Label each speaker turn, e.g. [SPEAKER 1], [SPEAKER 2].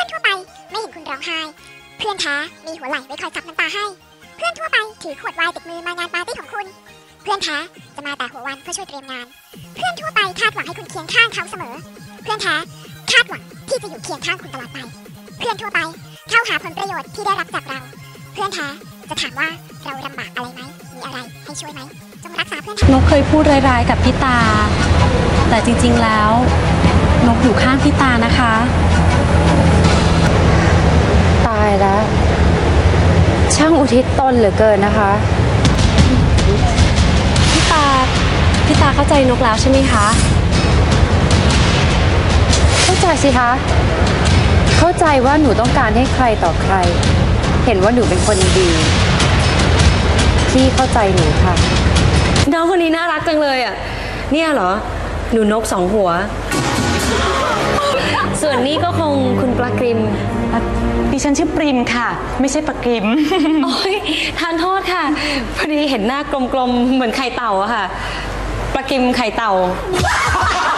[SPEAKER 1] พื่อนทั่วไปไม่เห็นคุณร้องไห้เพื่อนแท้มีหัวไหล่ไว้คอยซับน้ำตาให้เพื่อนทั่วไปถือขวดไวน์ติดมือมางานปาร์ตี้ของคุณเพื่อนแท้จะมาแต่หัววันเพื่อช่วยเตรียมงานเพื่อนทั่วไปคาดหวังให้คุณเคียงข้างเขาเสมอเพื่อนแท้คาดหวังที่จะอยู่เคียงข้างคุณตลอดไปเพื่อนทั่วไปเข้าหาผลประโยชน์ที่ได้รับจากเราเพื่อนแท้จะถามว่าเราลำบากอะไรไหมมีอะไรให้ช่วยไหมจงรักษาเพื่อน
[SPEAKER 2] นกเคยพูดร้ายๆกับพี่ตาแต่จริงๆแล้วนกอยู่ข้างพี่ตานะคะ
[SPEAKER 3] ตายแล้วช่างอุทิศตนเหลือเกินนะคะ
[SPEAKER 2] พี่ตาเข้าใจนกแล้วใช่ไหมคะ
[SPEAKER 3] เข้าใจสิคะเข้าใจว่าหนูต้องการให้ใครต่อใครเห็นว่าหนูเป็นคนดีพี่เข้าใจหนูค่ะ
[SPEAKER 2] น้องคนนี้น่ารักจังเลยอ่ะเนี่ยเหรอหนูนกสองหัวส่วนนี้ก็คงคุณปลากริม
[SPEAKER 4] ดิฉันชื่อปริมค่ะไม่ใช่ปลากริม
[SPEAKER 2] โอ้ยทานโทษค่ะพอดีเห็นหน้ากลมๆเหมือนไข่เต่าอะค่ะปลากริมไข่เต่า